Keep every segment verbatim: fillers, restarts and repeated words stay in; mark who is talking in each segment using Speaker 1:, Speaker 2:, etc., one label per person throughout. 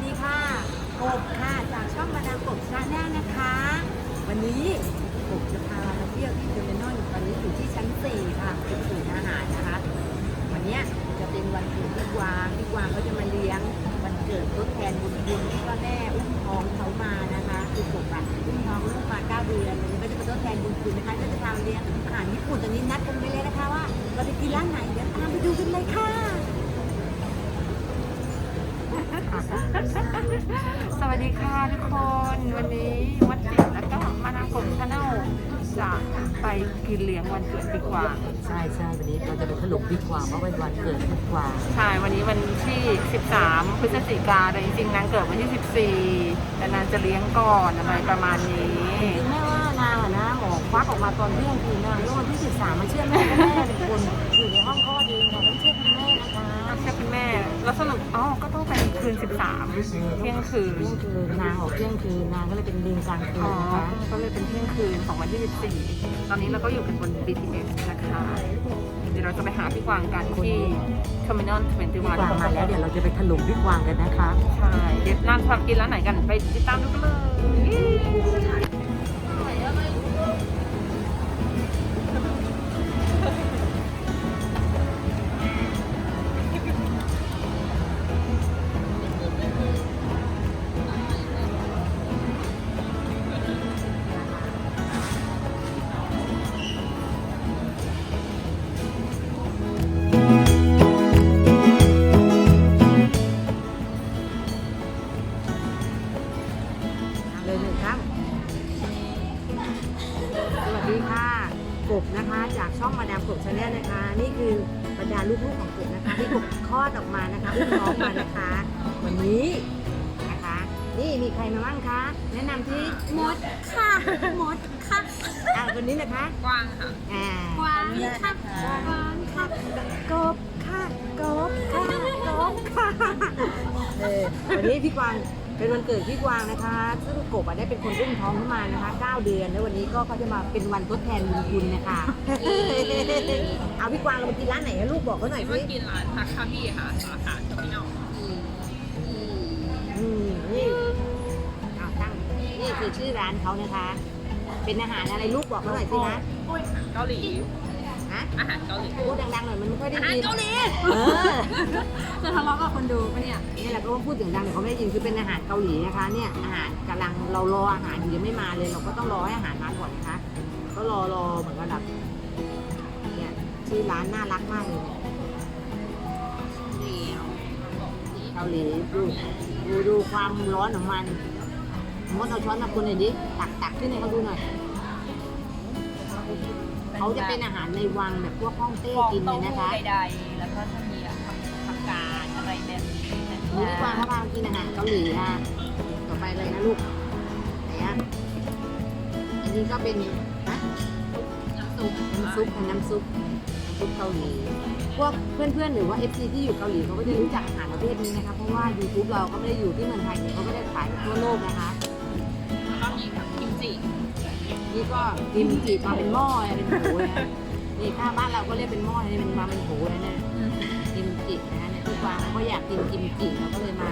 Speaker 1: ดีค่ะกบค่ะจากช่องมาดามกบชาแนลนะคะ วันนี้กบจะพามาเที่ยวที่เทอร์มินอลตอนนี้อยู่ที่ชั้นสี่ค่ะเป็นศูนย์อาหารนะคะ วันนี้จะเป็นวันเกิดพี่กวางพี่กวางเขาจะมาเลี้ยงวันเกิดทดแทนบุญคุณที่ว่าแม่อุ้มท้องเขามานะคะคือกบอะอุ้มท้องลูกมาเก้าเดือนวันนี้ก็จะมาทดแทนบุญคุณนะคะก็จะพามาเลี้ยงอาหารญี่ปุ่นตอนนี้นัดกันไปเลยนะคะว่าเราจะกินร้านไหนเดี๋ยวตามไปดูกันเลยค่ะ
Speaker 2: สวัสดีค่ะทุกคนวันนี้วัดจิตแล้วก็มาดามกบชาแนลจะไปกินเลี้ยงวันเกิดพี่กวาง
Speaker 1: ใช่ใช่วันนี้เราจะไปถลุกพี่กวางเพราะเป็นวันเกิดพี่กวาง
Speaker 2: ใช่วันนี้วันที่สิบสามพฤศจิกาแต่จริงๆนางเกิดวันที่สิบสี่แต่นางจะเลี้ยงก่อนอะไรประมาณนี้
Speaker 1: จริงๆแม่ว่านางอะนะหมอควักออกมาตอนเที่ยงคืนนางว่าวันที่สิบสามมันเชื่อแม่แม่เป็นคนอยู่ในห้องคลอดเองเราต้องเชื่อคุณแม่นะคะ
Speaker 2: ใช่คุณแม่แล้วสรุปอ๋อก็ต้องเป็นคืนสิบสามเที่ยงคืน
Speaker 1: เที่ยงคืนนางออกเที่ยงคืนนางก็เลยเป็นลิงกลางคืนนะคะ
Speaker 2: ก็เลยเป็นเที่ยงคืนของวันที่สิบสี่ตอนนี้เราก็อยู่กันบน บี ที เอส นะคะเดี๋ยวเราจะไปหาพี่กวางกันที่ Terminal ยี่สิบเอ็ด
Speaker 1: พี่กวางมาแล้วเดี๋ยวเราจะไปถลุกพี่กวางกันนะคะ
Speaker 2: ใช่เดี๋ยวร้านทำกินร้านไหนกันไปติดตามดูกันเลย
Speaker 1: กบนะคะจากช่องมาดามกบชาแนลนะคะนี่คือบรรดาลูกๆของกบนะคะที่กบคลอดออกมานะคะอุ้มน้องมานะคะวันนี้นะคะนี่มีใครมาบ้างคะแนะนำที่
Speaker 3: มดค่ะมดค่ะ
Speaker 1: อ่าคนนี้นะคะ
Speaker 2: กวางค่ะ
Speaker 1: อ่าก
Speaker 3: วางค่ะกวางค่ะ
Speaker 1: กบค่ะกบค่ะกบค่ะเออวันนี้พี่กวางเป็นวันเกิดพี่กวางนะคะซึ่งกบได้เป็นคนอุ้มท้องขึ้นมานะคะเก้าเดือนแล้ววันนี้ก็เขาจะมาเป็นวันทดแทนบุญคุณนะคะเอาพี่กวางเราไปกินร้านไหนนะลูกบอกเขาหน่อยสิ
Speaker 2: มากินร้านทักคาบี้ค่ะสาขาเทอร์มินอล
Speaker 1: อืมนี่เอาตั้งนี่คือชื่อร้านเขานะคะเป็นอาหารอะไรลูกบอกเขาหน่อยสินะ
Speaker 2: เกาหลี
Speaker 1: ฮะ
Speaker 2: อาหารเกาหลี
Speaker 1: พูดดังๆหน่อยมันไม่ค่อยได้ยิน
Speaker 2: อาหารเกาหลี
Speaker 1: เออ
Speaker 3: จะทะเลาะกับคนดูปะเนี่ย
Speaker 1: นี่แหละก็พูดเสียงดังเดี๋ยวเขาไม่ได้ยินคือเป็นอาหารเกาหลีนะคะเนี่ยอาหารกำลังเรารออาหารอยู่ยังไม่มาเลยเราก็ต้องรอให้อาหารมาก่อนนะคะก็รอรอเหมือนกันแบบเนี่ยชื่อร้านน่ารักมากเลยเกาหลีดูดูดูความร้อนของมันมดเอาช้อนมาคนหน่อยดิตักตักขึ้นให้เขาดูหน่อยเขาจะเป็นอาหารในวังแบบพวกฮ่องเต้กินเลยนะคะ
Speaker 2: ใดๆแล้วก็จะมีผักกาดอะไรแบบนี้
Speaker 1: นี่ดีกว่าเขาพากินอาหารเกาหลีค่ะต่อไปเลยนะลูกไหนอ่ะอันนี้ก็เป็นนะน้ำซุปน้ำซุปน้ำซุปน้ำซุปเกาหลีพวกเพื่อนๆหรือว่า เอฟ ซี ที่อยู่เกาหลีเขาก็จะรู้จักอาหารประเภทนี้นะคะเพราะว่า YouTube เราก็ไม่ได้อยู่ที่เมืองไทยเขาไม่ได้ขายทั่วโลกนะคะ
Speaker 2: ก็มีกิมจิ
Speaker 1: นี่ก็กิมจิมาเป็นหม้อเป็นโหนะนี่ถ้าบ้านเราก็เรียกเป็นหม้อนี่มันมาเป็นโหนะเนี่ยกิมจินะเนี่ยทุกวันเขาอยากกินกิมจิเราก็เลยมา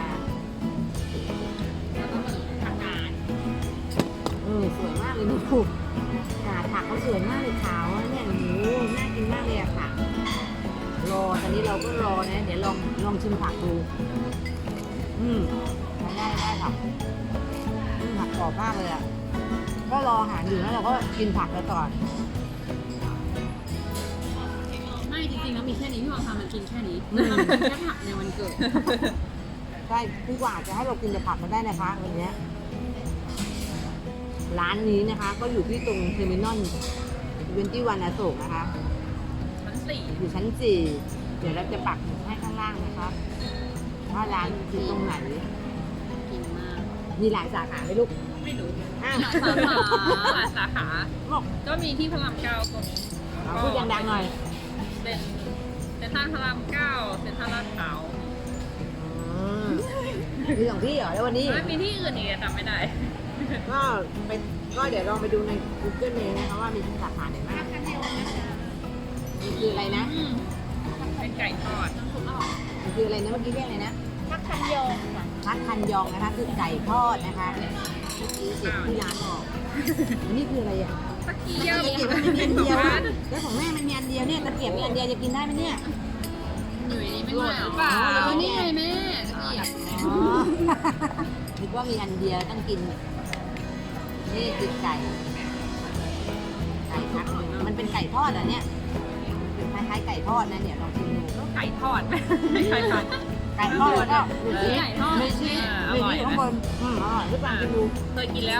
Speaker 2: แล้วก็มีผักกาด
Speaker 1: เออสวยมากเลยดูกาดผักเขาสวยมากเลยขาวเนี่ยโอ้โหน่ากินมากเลยอะค่ะรอตอนนี้เราก็รอนะเดี๋ยวลองลองชิมผักดูอืมได้ได้ค่ะผักกรอบมากเลยอะก็รออาหารอยู่แล้วเราก็กินผักไปก่อน
Speaker 3: ไม่จริงๆแล้วมีแค่นี้ที่วางทำมันกินแค่นี้แค่ผักในวันเกิด
Speaker 1: ใช่พี่กว่าจะให้เรากินแต่ผักมาได้นะคะวันนี้ร้านนี้นะคะก็อยู่ที่ตรงเทอร์มินอลเวนตี้วันอโศกนะคะ
Speaker 2: ชั้นสี่
Speaker 1: อยู่ชั้นสี่เดี๋ยวเราจะปักให้ข้างล่างนะคะว่าร้านอยู่ตรงไหน
Speaker 3: กินมาก
Speaker 1: มีหลายสาขาไหมลูก
Speaker 2: ไม่รู้
Speaker 1: อ้าว
Speaker 2: สาขาหลายสาขาก็มีที่พระรามเก้าก็มี
Speaker 1: พูดดังๆหน่อย
Speaker 2: เป็นเซ็นทรัลพระรามเก้าเซ็นทรัลลาดพร้าว
Speaker 1: มีสองที่เหรอแล้ววันนี้
Speaker 2: มีที่อื่นอีกจำไม่ได้
Speaker 1: ก็ไปก็เดี๋ยวลองไปดูใน Google เองนะคะว่ามีสาขาไหนบ้างนี่คืออะไรนะ
Speaker 2: เป็นไก่ทอด
Speaker 1: มันคืออะไรนะเมื่อกี้เรียกอะไรนะ
Speaker 3: ทักคันโยงค่ะ
Speaker 1: พัดคันยองนะคะคือไก่ทอดนะคะเมื่อกี้เสียงที่ร้านออกอันนี้คืออะไรอ่ะ
Speaker 2: ตะเกี
Speaker 1: ตะ
Speaker 2: ยบ
Speaker 1: เกียบมันมีอันเดียวอะแล้วของแม่มันมีอันเดียวเนี่ยตะเกียบมีอันเดียวจะกินได้ไหมเนี่ย
Speaker 3: อยู่ในนี้ไม่ไหวหรอ
Speaker 2: เปล่า
Speaker 3: อ๋อนี่ไงแม่ตะเกียบ
Speaker 1: อ๋อ นึกว่ามีอันเดียวต้องกิน นี่คือไก่ ไก่พักหนึ่งมันเป็นไก่ทอดเหรอเนี่ยเป็นคล้ายๆไก่ทอดนะเนี่ยลองชิมดู
Speaker 2: ไก่ทอดไม่ใช่ทอด
Speaker 1: ไก่ทอดแล้วก็มีชีส
Speaker 3: ไก่ทอด
Speaker 1: มีชีส
Speaker 2: อ่า
Speaker 1: มี
Speaker 2: อร่อย
Speaker 1: ชีส
Speaker 2: นะ
Speaker 1: ข้างบนอืมอร่อยทุกอย่างกินดู
Speaker 2: เคยกินแล้ว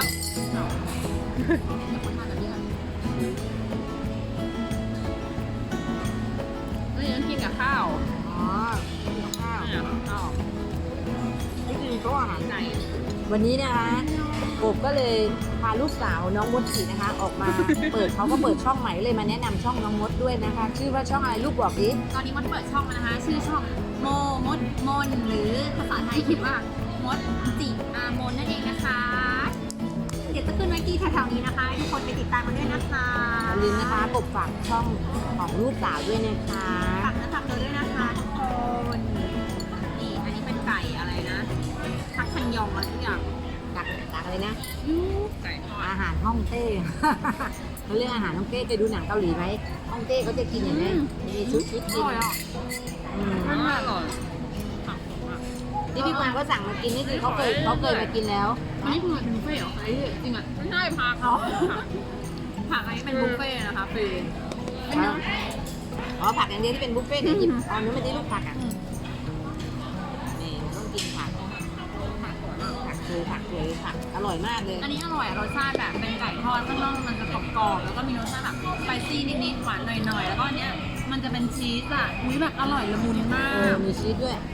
Speaker 2: เฮ้ยยังกินกับข้าว
Speaker 1: อ๋อกินกับข้าว
Speaker 2: เนี่ยข้าว
Speaker 1: นี่คือโต๊ะอาหาร
Speaker 2: ไก่
Speaker 1: วันนี้นะคะกบก็เลยพาลูกสาวน้องมดสีนะคะ ออกมา เปิดเขาก็เปิดช่องใหม่เลยมาแนะนำช่องน้องมดด้วยนะคะ ชื่อว่าช่องอะไรลูกบอกดิ
Speaker 3: ตอนนี้มดเปิดช่องแล้วนะคะ ชื่อช่องโมมดมนหรือภาษาไทยเขียนว่ามดจิอามนนั่นเองนะคะ เดี๋ยวจะขึ้นไว้ที่แถวๆนี้นะคะให้ทุกคนไปติดตามกันด้วยนะคะ
Speaker 1: อย่าลืมนะคะกบฝากช่องของลูกสาวด้วยนะคะ
Speaker 3: ฝากเนื้อฝากตัวด้วยนะคะทุกคนนี่อันนี้เป็นไก่อะไรนะทักคันยองอะไรทุกอย่าง
Speaker 1: ตักตักเลยนะ
Speaker 3: ยู
Speaker 2: ไก่ทอด
Speaker 1: อาหารฮ่องเต้ เขาเรียกอาหารฮ่องเต้เคยดูหนังเกาหลีไหมฮ่องเต้เขาจะกินอย่างนี้มีชุดชุด
Speaker 3: อ
Speaker 1: กิน
Speaker 3: ร่อยอ่ะ
Speaker 1: อืม
Speaker 2: อร่อย
Speaker 1: ที่พี่กวางก็สั่งมากินนี่คือเขาเคยเขาเคยมากินแล้ว
Speaker 3: อันนี้คือเป็นบุฟเฟ่ต์เหรอไอ้จริงอ่ะ
Speaker 2: ไม่ใช่พาเขา
Speaker 3: ผักอันนี้เป็นบุฟเฟ่ต์นะคะฟรีเป็นน้ำ
Speaker 1: อ๋อผักอย่างเดียวที่เป็นบุฟเฟ่ต์เดี๋ยวหยิบเอานู้นมาที่ลูกผักอ่ะนี่ต้องกินผักผักคือผักสวยผักอร่อยมากเลย
Speaker 3: อันนี้อร่อยอะรสชาติแบบเป็นไก่ทอดข้างนอกมันจะกรอบๆแล้วก็มีรสชาติแบบสไปซี่นิดๆหวานหน่อยๆแล้วก็อันเนี้ยมันจะเป็นชีสอ่ะอุ้ยแบบอร่อยละมุนมา
Speaker 1: เออก มีชีสด้วย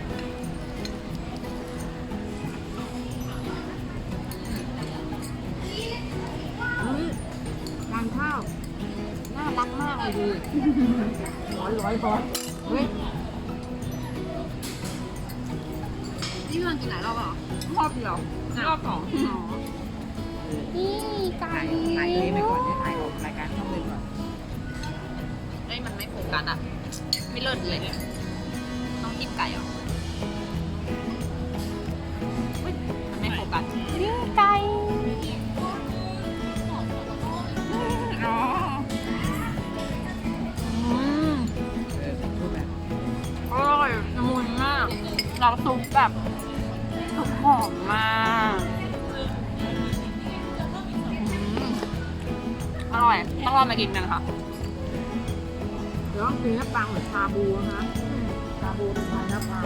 Speaker 1: อืมทานข้าวน่ารักมากเลยดูร้อยร้อยร้อยเฮ้ย
Speaker 3: นี่พี่ลองกินหลายรอบเหรอ
Speaker 2: รอบเดียวรอบสอง
Speaker 3: อ๋อนี่ไก่
Speaker 1: ถ่ายเลยไปก่อนจะถ่ายออกรายการช่องเลยก่อน
Speaker 2: เฮ้ยมันไม่โฟกัสอ่ะ ไม่เลิศเลยต้องกินไก่เหรอเฮ้ยมันไม่โฟกัส
Speaker 3: นี่ไก่
Speaker 2: อ๋ออืม
Speaker 1: ดูแบบ
Speaker 2: อร่อยละมุนมากเราซุปแบบซุปหอมมากอืมอร่อย ต้องลองมากินกันค่ะ
Speaker 1: เดี๋ยวต้องกินน้ำปังเหมือนชาบูนะคะชาบูเป็นไงน้ำปัง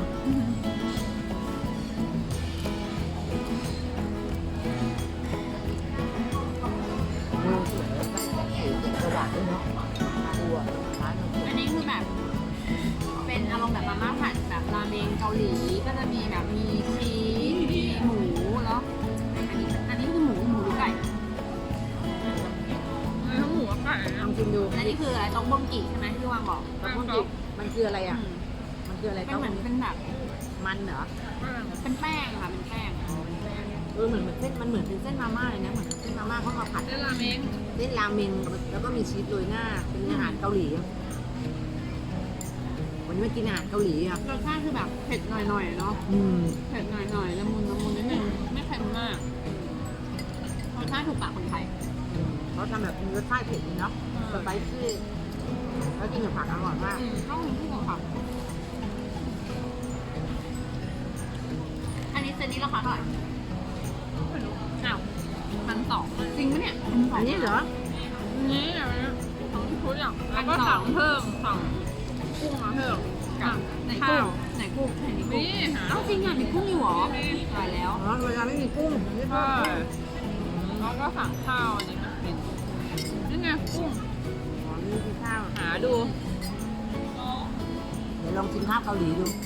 Speaker 1: ดูสวยแล้วก็สีเจ็ดสว่างด้วยเนาะชาบูอ่ะร้านมันสวย
Speaker 3: อันนี้คือแบบเป็นอารมณ์แบบมาม่าผัดแบบราเมงเกาหลีก็จะมีแบบมีชีสมีหมูแล้วอันนี้อันนี้คือหมูหมูหรือไก่
Speaker 2: เนื้อหมูกับไก่
Speaker 1: ลองกินดู
Speaker 3: อันนี้คืออะไรต้องบ้งกีใช่ไหมที่วางบอก
Speaker 1: แล้วพวกนี้มันคืออะไรอ่ะ มันคืออะไร
Speaker 3: เป็นเหมือนเป็นแบบ
Speaker 1: มันเหรอ
Speaker 3: เป็นแป้งค่ะเป็นแป้ง
Speaker 1: เออเหมือนเหมือนเส้นมันเหมือนเป็นเส้นมาม่าเลยนะเหมือนเส้นมาม่าเขามาผัด
Speaker 2: เส้นราเมง
Speaker 1: เส้นราเมงแล้วก็มีชีสโรยหน้าเป็นอาหารเกาหลีวันนี้มากินอาหารเกาหลีครับ
Speaker 3: รสชาติคือแบบเผ็ดหน่อยๆเนาะ
Speaker 1: อืม
Speaker 3: เผ็ดหน่อยๆละมุนละมุนนิดนึงไม่เค็มมากรสชาติถูกปากคนไทย
Speaker 1: เขาทำแบบมีรสชาติเผ็ดดีเนาะสไปซี่แล้วกินกับผักอร่อยมาก
Speaker 3: อืมต้องมีคู่กับผักอันนี้เซตนี้ราคาเท่าไหร่อ้าวพันสองจริงปะเนี่ยพันสอง
Speaker 1: อันนี้เหรอ
Speaker 2: นี่อะไรนะทั้งชุดอย่างแล้วก็สั่งเพิ่มสั่งกุ้งมาเพิ่มกับ
Speaker 3: ไหน
Speaker 2: ข้า
Speaker 3: กุ้ง
Speaker 2: ว
Speaker 3: ไหนกุ้งไหนมีกุ้ง
Speaker 2: นี่หา
Speaker 3: เอ้าจริงอ่ะมีกุ้งอยู่เหรอตายแล้ว
Speaker 1: อ๋อเวลาไม่มีกุ้งไม่พอ
Speaker 2: ใช่แล้วก็สั่งข้าวอันนี้มาเป็นนี่ไงกุ้ง
Speaker 1: อ๋อนี่คือข้าว
Speaker 2: หาดู
Speaker 1: เดี๋ยวลองกินข้าวเกาหลีดู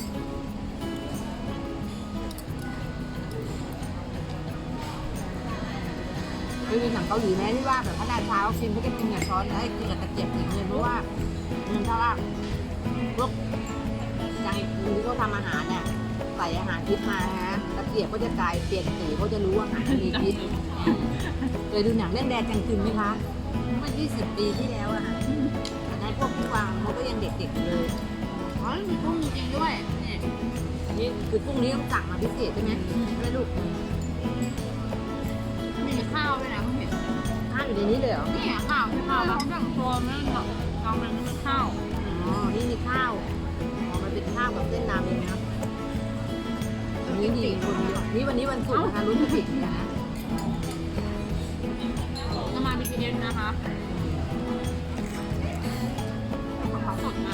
Speaker 1: เคยมีหนังเกาหลีไหมที่ว่าแบบพระราชาเขากินเขาจะกินกับช้อนแล้วให้กินกับตะเกียบสีเงินเพราะว่าเงินถ้าว่าพวกอย่างที่เขาทำอาหารเนี่ยใส่อาหารพิษมาฮะตะเกียบก็จะกลายเปลี่ยนสีเขาจะรู้ว่าอาหารมีพิษเคยดูหนังเรื่องแดงจังกึมไหมคะเมื่อยี่สิบปีที่แล้วอะค่ะตอนนั้นพวกพี่วางเขาก็ยังเด็กๆอยู่เลย
Speaker 3: อ๋อมีกุ้งจริงๆด้วยนี่
Speaker 1: นี่คือกุ้งนี้ต้องสั่งมาพิเศษใช่ไหมใช่ไหมลูก
Speaker 3: มีข้าวด้วยนะคุณเห็น
Speaker 1: ข้าวอยู่ในนี้เลยเหรอ
Speaker 3: นี่ข้าวใช่ข้าวเขาแบ่งตัวไม่หรอกกองมันเป็นข้าว
Speaker 1: อ๋อ นี่มีข้าวอ๋อมันเป็นข้าวกับเส้นน้ำเองนะวันนี้ดีคนเยอะนี่วันนี้วันศุกร์นะคะรุ่นจะปิดนะ
Speaker 3: จะมา บี ที เอส นะคะของสดอ่ะ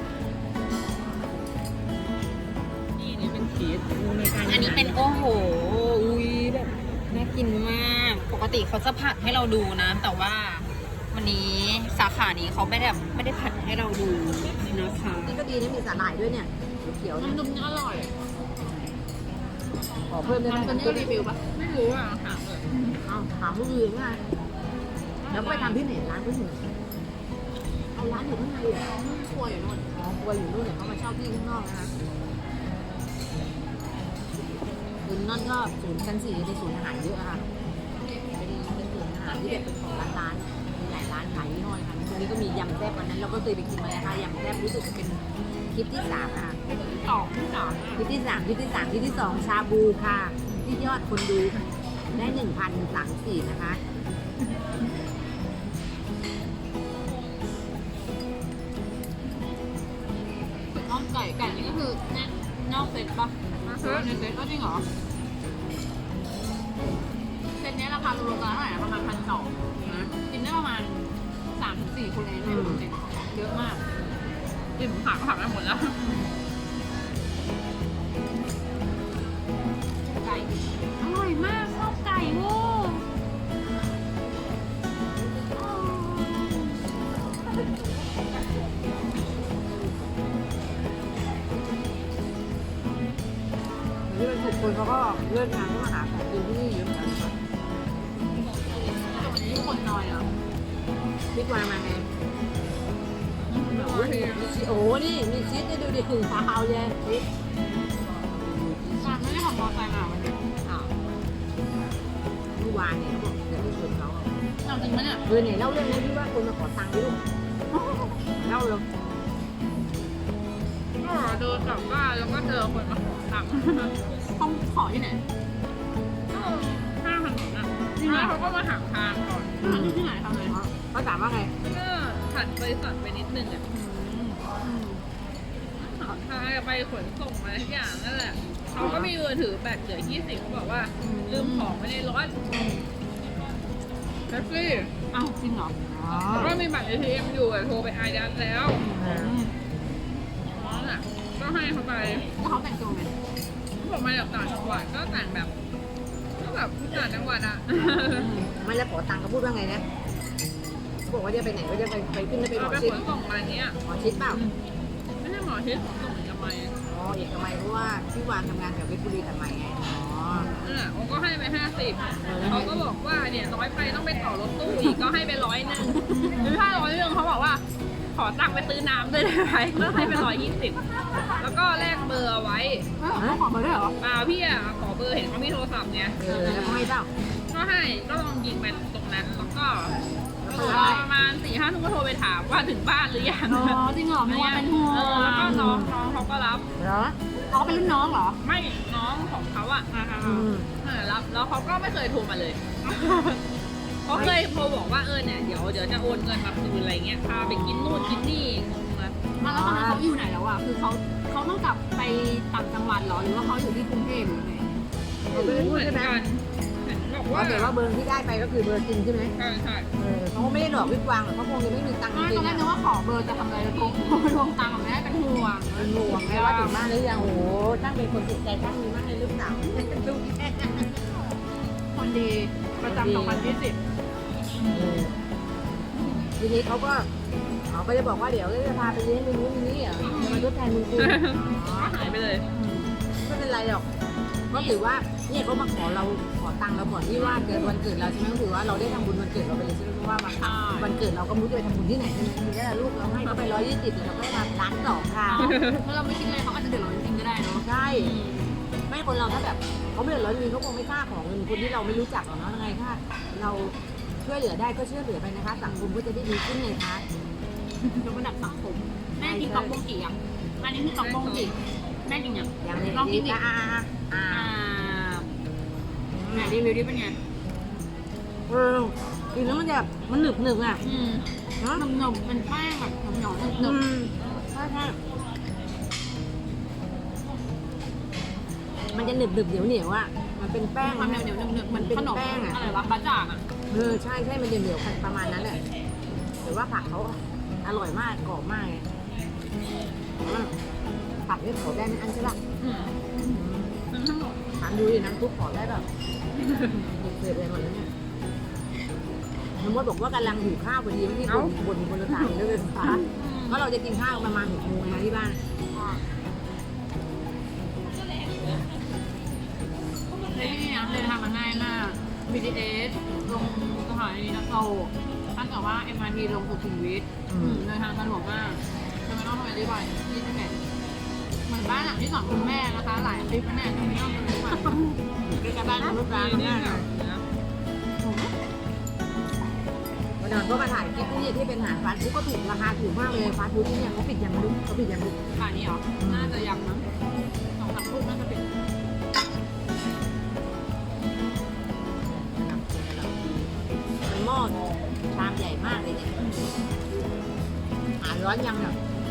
Speaker 2: นี่นี่เป็นชีส
Speaker 3: อันนี้เป็นโอ้โหอุ้ยแบบน่ากินมาก ปกติเขาจะผัดให้เราดูนะ แต่ว่าวันนี้สาขานี้เขาไม่ได้แบบไม่ได้ผัดให้เราดูนะคะ
Speaker 1: นี่ก็ดีนะมีสาหร่ายด้วยเนี่ยเขียวๆเนี่ย
Speaker 3: น้ำดุมอร่อย
Speaker 1: ขอเพิ่มได้ไหม
Speaker 3: มันเป็นรีวิวปะไม่รู้อ่ะถามเลย
Speaker 1: เอาถามผู้อื่นไงแล้วก็ไปทำที่ไหนร้านผู้อื่นเอาร้านอยู่ข้างในเหรอ
Speaker 3: ครัวอยู่นู่น
Speaker 1: อ๋อครัวอยู่นู่นเนี่ยเขามาเช่าที่ข้างนอกนะคะคุณนั่นก็ศูนย์ชั้นสี่ในศูนย์อาหารเยอะอะค่ะเป็นเป็นศูนย์อาหารที่แบบเป็นของร้านร้านๆมีหลายร้านหลายยี่ห้อเลยค่ะตรงนี้ก็มียำแซ่บวันนั้นเราก็เคยไปกินมาแล้วค่ะยำแซ่บรู้สึกจะเป็นคลิปที่สามนะคะ
Speaker 3: สองที่สาม
Speaker 1: คลิปที่สามคลิปที่สามคลิปที่สองชาบูค่ะ ที่ยอดคนดูได้หนึ่งพันสามสี่นะคะ
Speaker 3: น่องไก่ไก่นี่ก็คือแน่นอกเซ็ตปะหรือว่าในเซ็ตก็จริงเหรอเซ็ตนี้ราคารวมๆกันเท่าไหร่นะประมาณพันสองนะกินได้ประมาณสามถึงสี่คนเองไม่ถึงเซ็ตเยอะมากอิ่มผักผักได้หมดแล้วไก่อร่อยมากชอบไก่โว้
Speaker 1: ที่เป็นสุดคนเขาก็เลิกงานก็มาหาของกินที่นี่เยอะเหมือนกันค่ะ
Speaker 3: วันนี้คนน้อยอ่ะ
Speaker 1: พี่กวางมาไงโอ้โหมีชีสโอ้โหนี่มีชีสให้ดูดิถึงเท้าเลยชีส
Speaker 3: ตอนไม่ได้ขับมอเตอร์ไซค์มาวันนี้
Speaker 1: อ้าวเมื่อวานเนี่ยเขาบอกจะไปชวนเขา
Speaker 3: เอาจริงไหมเนี่ย
Speaker 1: เออไหนเล่าเรื่องนี้ที่ว่าคนมาขอตังค์ด้วยลูกเล่าเลย
Speaker 2: ก็เดินกลับบ้านแล้วก็เจอคนมาขอตังค์
Speaker 3: ต้องขอที่ไหน
Speaker 2: ข้างถนนอ่ะแล้วเขาก็มาถามทางก่อน
Speaker 3: ทำที่ไหนทำเลย
Speaker 1: เขาถามว่าไง
Speaker 2: ก็ถัดบริษัทไปนิดนึงอ่ะถามทางจะไปขนส่งอะไรทุกอย่างนั่นแหละเขาก็มีมือถือแบตเหลือยี่สิบเขาบอกว่าลืมของไว้ในรถแท็กซี่
Speaker 3: อ้าวจริงเหรอ
Speaker 1: อ๋อ
Speaker 2: แล้วก็มีบัตร เอ ที เอ็ม อยู่อะโทรไปอายัดแล้ว
Speaker 1: อ่า
Speaker 2: นั่นแหละก็ให้เขาไป
Speaker 3: แล้วเขาแต่งตัวไง
Speaker 2: เขาบอกมาจากต่างจังหวัดก็แต่งแบบก็แบบต่างจังหวัดอ่ะ
Speaker 1: ไม่แล้วขอตังค์เขาพูดว่าไงนะเขาบอกว่าจะไปไหนก็จะไปไปขึ้นไปหม
Speaker 2: เรา
Speaker 1: อ
Speaker 2: ไป
Speaker 1: ชิด
Speaker 2: ขนส่งมาเนี้ย
Speaker 1: หมอชิดเปล่า
Speaker 2: ไม่ใช่หมอชิดขนส่งทำไม
Speaker 1: อ๋อเอกมัยเพราะว่าพี่วานทำงานแถวเพชรบุรีแต่ใหม่ไงอ๋อ
Speaker 2: นั่นแหละผมก็ให้ไปห้าสิบเขาก็บอกว่าเนี่ยน้อยไปต้องไปต่อรถตู้อีกก็ให้ไปร้อยหนึ่งหรือถ้าร้อยหนึ่งเขาบอกว่าขอตังค์ไปซื้อน้ำด้วยได้ไหมก็ให้ไปร้อยยี่สิบแล้วก็แลกเบอร์เอาไว้
Speaker 3: เออเขาขอมาด้วยเหรอ
Speaker 2: เปล่าพี่อ่ะขอเบอร์เห็นเขามีโทรศัพท์เนี่ย
Speaker 1: เออแล้วเขาให้เปล่า
Speaker 2: ก็ให้ก็ลองยิงไปตรงนั้นแล้วก็
Speaker 1: แล้ว
Speaker 2: ร
Speaker 1: ก็
Speaker 2: อ
Speaker 1: ได้
Speaker 2: ประมาณสี่ห้าทุ่มก็โทรไปถามว่าถึงบ้านหรือยัง
Speaker 3: อ๋อจริงเหรอไม่ว่าเป็นห่วง
Speaker 2: เออแล้วก็น้องน้องเขาก็รับ
Speaker 1: เหรอ
Speaker 3: เขาเป็นรุ่นน้องเหรอ
Speaker 2: ไม่น้องของเขาอ่ะ
Speaker 1: อืม
Speaker 2: เออรับแล้วเขาก็ไม่เคยโทรมาเลยเขาเคยโทรบอกว่าเออเนี่ยเดี๋ยวเดี๋ยวจะโอนเงินมาคืนอะไรเงี้ยพาไปกินนู่นกินนี่งงเลย
Speaker 3: อ่ะแล้วตอนนั้นเขาอยู่ไหนแล้วอ่ะคือเขาเขาต้องกลับไปต่างจังหวัดเหรอหรือว่าเขาอยู่ที่กรุงเทพหรือไง
Speaker 1: เขาไม่ได้พูดใช่ไหม
Speaker 2: เห็นบอก
Speaker 1: ว่า
Speaker 2: ว่า
Speaker 1: แต่ว่าเบอร์ที่ได้ไปก็คือเบอร์จริงใช่ไหม
Speaker 2: ใช่ใช่
Speaker 1: เออเขาก็ไม่ได้หลอกพี่กวางหรอกเขาคงยังไม่มีตังค์จ
Speaker 3: ไม่ต
Speaker 1: ริ
Speaker 3: อง น
Speaker 1: ๆ
Speaker 3: แรก
Speaker 1: อะ
Speaker 3: นึกว่าขอเบอร์จะทำอะไรแล้วโทรทวงตังค์ไม่ได้เป็นห่วง
Speaker 1: เป็นห่วงไงว่าถึงบ้านหรือยังโอ้โหช่างเป็นคนจิตใจช่างมีมากเลยลูกสาวดูแค่
Speaker 3: คนดีประจำสองพันยี่สิบ
Speaker 1: เออทีนี้เขาก็เขาก็จะบอกว่าเดี๋ยวจะพาไปเลี้ยงในนู้นในนี้อ่ะจะมาทดแทนมึงกู
Speaker 2: ก็หายไปเลย
Speaker 1: ไม่เป็นไรหรอกก็ถือว่าเนี่ยเขามาขอเราขอตังค์เราก่อนที่ว่าเกิดวันเกิดเราใช่ไหมก็ถือว่าเราได้ทำบุญวันเกิดเราไปเลยใช่ไหมเพราะว่าวันวันเกิดเราก็ไมุ้จะไปทำบุญที่ไหนใช่ไหมทีนี้ลูกเราให้เขาไปร้อยยี่สิบเราก็ได้มาล้านสองค่ะ
Speaker 3: แล้วเราไม่คิดเลยเขาอาจจะเดือดร้อนจริงๆก็ได้เนาะ
Speaker 1: ใช่ไม่คนเราถ้าแบบเขาไม่เดือดร้อนจริงเขาคงไม่กล้าขอเงินคนที่เราไม่รู้จักหรอกเนาะยังไงถ้าเราช่วยเหลือได้ก็ช่วยเหลือไปนะคะสังคมก็จะได้ดีขึ้นไงคะ
Speaker 3: ยกระดับสังคมแม่กินต๊อกโบงกี่อ่ะอันนี้คือต๊อกโบงกี่แม่กินยัง
Speaker 1: ยังเลย
Speaker 3: ลองกินดิ
Speaker 1: อ่าอ่าอ่า
Speaker 3: อ่าไหนรีวิวดิเป็นไง
Speaker 1: เออกินแล้วมันจะมันหนึบหนึบอ่ะ
Speaker 3: อืม
Speaker 1: เนาะ
Speaker 3: หนมๆเป็นแป้งแบบเหนียวๆห
Speaker 1: อื
Speaker 3: นึบ
Speaker 1: มใช่ใช่มันจะหนึบหนึบเหนียวเหนียวอ่ะมันเป็น
Speaker 3: ๆ
Speaker 1: แป้ง
Speaker 3: ความเหนียวเหนียวๆหนึบๆเหมือนขนม
Speaker 1: แป้งอะ
Speaker 3: อะไรวะบะจ่างอ่ะ
Speaker 1: เออใช่ใช่มันจะเหนียวๆประมาณนั้นแหละแต่ว่าผักเขาอร่อยมากกรอบมากเลยอืมผักนี่ขอได้ไหมอันใช่ปะ
Speaker 3: อืมมันทั้งหมด
Speaker 1: ถามดูดิน้ำซุปขอได้แบบเผ็ดๆเลยหมดแล้วเนี่ยน้ำมดบอกว่ากำลังหิวข้าวพอดีที่บนบนบนรถไฟเลยเลยฟ้าเพราะเราจะกินข้าวประมาณหกโมงนะที่บ้าน
Speaker 3: นี่นะเลยทำมาง่ายมาก บี ที เอส ลงสถานีนักโตถ้าเกิดว่า เอ็ม อาร์ ที ลงสุขุมวิทเลยทางสะดวกมากจะไม่ต้องทำอะไรบ่อยยี่สิบเอ็ดเหมือนบ้านหลังที่สองคุณแม่นะคะ หลายคลิปนะเนี่ยจะไม่ต้องทำอะไรบ่อย
Speaker 1: ใกล้ๆบ้านรถไฟ
Speaker 2: นี่
Speaker 1: เนี่ย
Speaker 2: ค่ะ
Speaker 1: วันนั้นก็มาถ่ายคลิปที่ที่เป็นอาหารฟาสต์ฟู้ดก็ถูกราคาถูกมากเลยฟาสต์ฟู้ดที่เนี่ยเขาปิดยังไม่รู้เขาปิดยังไม่รู้
Speaker 3: ป่านนี้เหรอ น่าจะยังมั้งสองสามทุ่มน่าจะปิด
Speaker 1: เป็นหม้อชามใหญ่มากเลยเนี่ยหาร้อนยังเนี่ย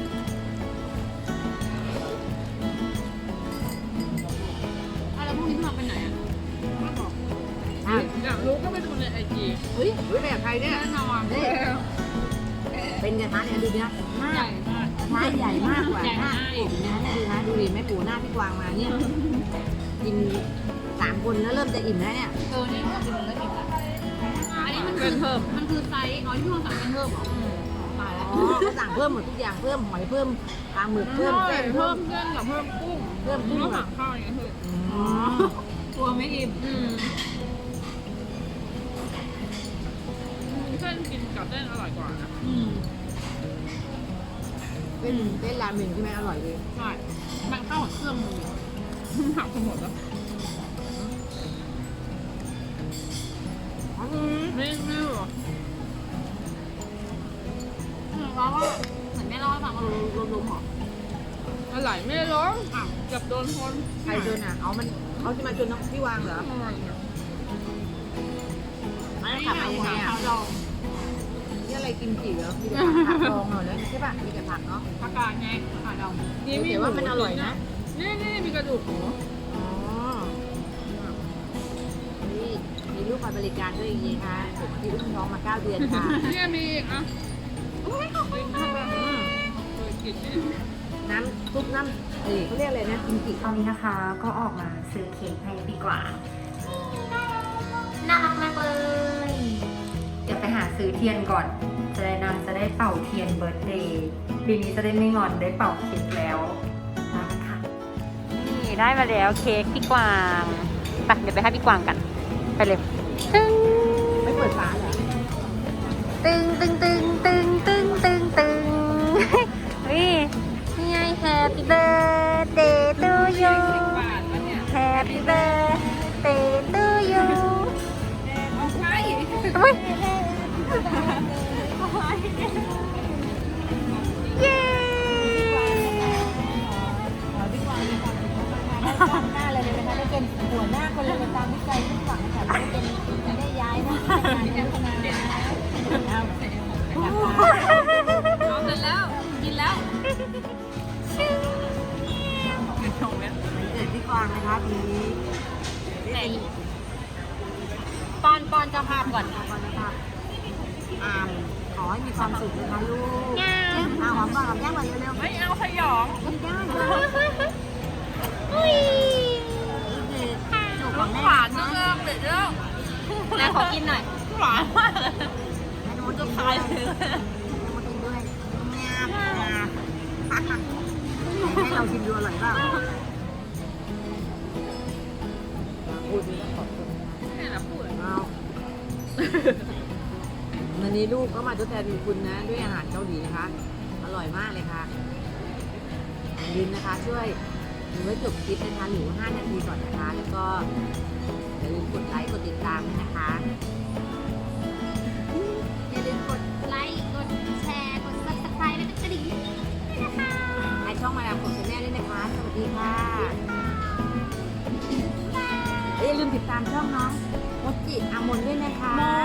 Speaker 3: อ่ะแล้วพรุ่งนี้พี่มาไปไหนอ่ะไม่บอก
Speaker 1: อ่ะ
Speaker 2: อยากรู้ก็ไปดูในไอจี
Speaker 1: เฮ้ยเฮ้ยแบบใครเนี่ย
Speaker 3: แน่นอน
Speaker 1: นี่เป็นกระทะเนี่ยดูเนี่ย
Speaker 3: ใหญ่มาก
Speaker 1: กระทะใหญ่มากกว่า
Speaker 3: ใหญ่
Speaker 1: หน้าม
Speaker 3: าก
Speaker 1: ผมนะเนี่ยดูนะดูดิแม่ปู่หน้าพี่กวางมาเนี่ยกินสามคนแล้วเริ่มจะอิ่มแล้วเนี่ย
Speaker 3: เออนี่ก็เป็นเรื่องอีกแล้วอันนี้มันคื
Speaker 2: เป็
Speaker 3: อน
Speaker 2: เพิ่ม
Speaker 3: มันคือไซส์อ๋อที่พี่มาสั่งเป็นเพิ่มเหรอตายแล้ว
Speaker 1: อ๋อเขาสั่งเพิ่มหมดทุกอย่างเพิ่มหอยเพิ่มปลาหมึกเพิ่มเส้น
Speaker 2: เพิ่
Speaker 1: เพิ่
Speaker 2: ม
Speaker 1: ม
Speaker 2: เส้นกับเพิ่มกุ้ง
Speaker 1: เพิ่มกุ้ง
Speaker 2: แล้วผักข้าวอย่างเงี้ยคือ
Speaker 1: อ๋อ
Speaker 3: กลัวไม่อิ่ม
Speaker 2: อืมเส้นกินกับเส้นอร่อยกว่านะ
Speaker 3: อืม
Speaker 1: เป็นเป็นราเมงที่แม่อร่อยดี
Speaker 3: ใช่มันเข้ากับเครื่องมือ
Speaker 2: ผักทั้งหมดแล้ว
Speaker 1: อ๋อ
Speaker 2: ไม่ไม่หรอ
Speaker 3: เออว่าว่าเหมือนแม่เล่าให้ฟังว่าลมลมหรอ
Speaker 2: อะไรไม่ร้องอ่ะเกับโดนคน
Speaker 1: ใครชนอ่ะเอามันเขาจะมาชนน้องพี่วางเหรอ
Speaker 2: อร่อยอ่ะ
Speaker 1: ไม่ขับมายังไงอ่ะ
Speaker 3: ข้าวดอง
Speaker 1: นี่อะไรกินจีเหรอมีแต่ผักดองเหรอเนี่ยใช่ป่ะมีแต่ผักเนาะ
Speaker 3: ผักกาดไงข้าวดอง
Speaker 2: นี่มี
Speaker 1: แต่ว่ามันอร่อยนะ
Speaker 2: นี่นี่มีกระดูกหมู
Speaker 1: อ๋อนี่มีลูกคอยบริการด้วยจริงๆค่ะผมที่อุ้มท้องมาเก้าเดือนค่ะ
Speaker 2: เนี่ยมีอีกอ่ะโอ้ยขอบคุณค่ะ
Speaker 1: อืม
Speaker 2: เคยกินนี่
Speaker 1: น้ำซุปน้ำเอ้ยเขาเรียกอะไรนะกิมจิ
Speaker 4: ตอนนี้นะคะก็ออกมาซื้อเค้กให้ดีกว่า น่ารักมากเลย เดี๋ยวไปหาซื้อเทียนก่อน จะได้นางจะได้เป่าเทียนเบิร์ธเดย์ปีนี้จะได้ไม่งอนได้เป่าเค้กแล้วนะคะนี่ได้มาแล้วเค้กพี่กวางไปเดี๋ยวไปให้พี่กวางกัน ไปเลยตึ้ง
Speaker 1: ไม่เปิดฝาเหรอ
Speaker 4: ตึงตึงตึงตึงตึงตึงตึงนี่นี่ไง Happy birthday to you
Speaker 2: บาทแล้วเนี่ย
Speaker 4: Happy birthday to you
Speaker 2: เอาไป
Speaker 4: อุ๊ยเย้
Speaker 1: ขอพี่กวางมีความสุขมากๆได้ก้าวหน้าเลยนะคะได้เป็นหัวหน้าคนเลยตามวิจัยที่หวังค่ะได้เป็นจะได้ย้ายหน้าที่การพัฒนาเอา
Speaker 2: เอาเสร็จแล้วกินแล้วเงินทองเม็ด
Speaker 1: วันเกิดพี่กวางนะคะปีนี้ได้เป็น
Speaker 3: ปอนปอนเจะภาพก่อน
Speaker 1: ก่อนนะครับอามขอให้มีความสุขนะคะลูกเอาหอมก่อนหอมแก้มก่อนเร็วๆ
Speaker 2: ไม่เอาขยอง
Speaker 1: ไม่ได้
Speaker 4: อุ๊ย
Speaker 1: นี่คือจูบของแม่
Speaker 2: หวานจังเลยเด็ดแล้ว
Speaker 3: แม่ขอกินหน่อย
Speaker 2: หวานมากเลย
Speaker 1: ให้น้องกินด้วยให้น้องกินด้วยงามงามให้เราชิมดูอร่อยเปล่าพูดดีแล้วขอบคุณ
Speaker 2: นี่แหละพูด
Speaker 1: เอาวันนี้ลูกก็มาทดแทนบุญคุณนะ ด้วยอาหารเกาหลีนะคะ อร่อยมากเลยค่ะอย่าลืมนะคะ ช่วยดูไว้จบคลิปนะคะหรือห้านาทีก่อนนะคะ แล้วก็อย่าลืมกดไลค์กดติดตามด้วยนะคะ
Speaker 4: อย่าลืมกดไลค์ กดแชร์ กด ซับสไครบ์ และกดกระดิ่งด้วยนะคะ
Speaker 1: ให้ช่องมาดามกดชาแนลด้วยนะคะสวัสวัสดีค่ะอย่าลืมติดตามช่องน้องมดจิอามนด้วยนะคะ